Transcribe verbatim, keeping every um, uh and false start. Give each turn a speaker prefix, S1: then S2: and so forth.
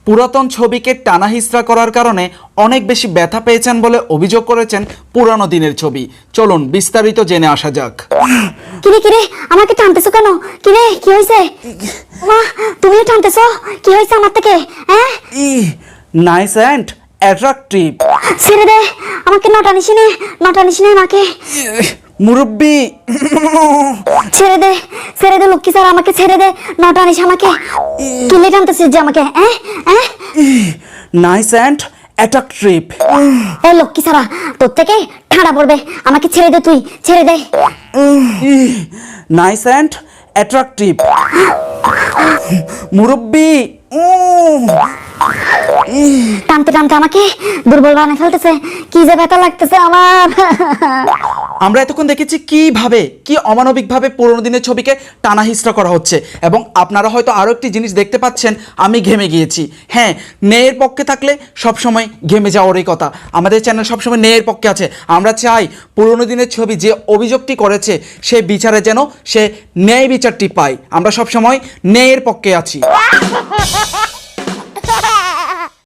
S1: পুরাতন ছবিকে টানা হিচড়া করার কারণে অনেক বেশি ব্যথা পেয়েছেন বলে অভিযোগ করেছেন পুরানো দিনের ছবি। চলুন বিস্তারিত জেনে আসা যাক।
S2: কিরে কিরে আমাকে টানতেছো কেন? কিরে কি হয়েছে? মা তুমিও টানতেছো? কি হয়েছে আমার থেকে? হ্যাঁ
S1: নাইস অ্যান্ড অ্যাট্রাকটিভ।
S2: ছেড়ে দে আমাকে, নটানিস নে নটানিস নে আমাকে।
S1: মুরব্বি
S2: ছেড়ে দে ছেড়ে দে লক্ষ্মী স্যার, আমাকে ছেড়ে দে, নটানিস আমাকে। কিলে টানতেছিস যে আমাকে? হ্যাঁ হ্যাঁ
S1: নাইস অ্যান্ড অ্যাট্রাকটিভ।
S2: এ লক্ষ্মী সারা, তোর থেকে ঠাড়া পড়বে, আমাকে ছেড়ে দে, তুই ছেড়ে দে।
S1: Nice and attractive. মুরব্বি
S2: টানতে টানতে আমাকে দুর্বল বানিয়ে ফেলতেছে, কি যে ব্যথা লাগতেছে আমার।
S1: আমরা এতক্ষণ দেখেছি কিভাবে কি অমানবিক ভাবে পুরোনো দিনের ছবিকে টানা হিচড়া করা হচ্ছে, এবং আপনারা হয়তো আরও একটি জিনিস দেখতে পাচ্ছেন, আমি ঘেমে গিয়েছি। হ্যাঁ, ন্যায়ের পক্ষে থাকলে সবসময় ঘেমে যাওয়ারই কথা। আমাদের চ্যানেল সবসময় ন্যায়ের পক্ষে আছে। আমরা চাই পুরোনো দিনের ছবি যে অভিযোগটি করেছে সে বিচারে যেন সে ন্যায় বিচারটি পায়। আমরা সবসময় ন্যায়ের পক্ষে আছি।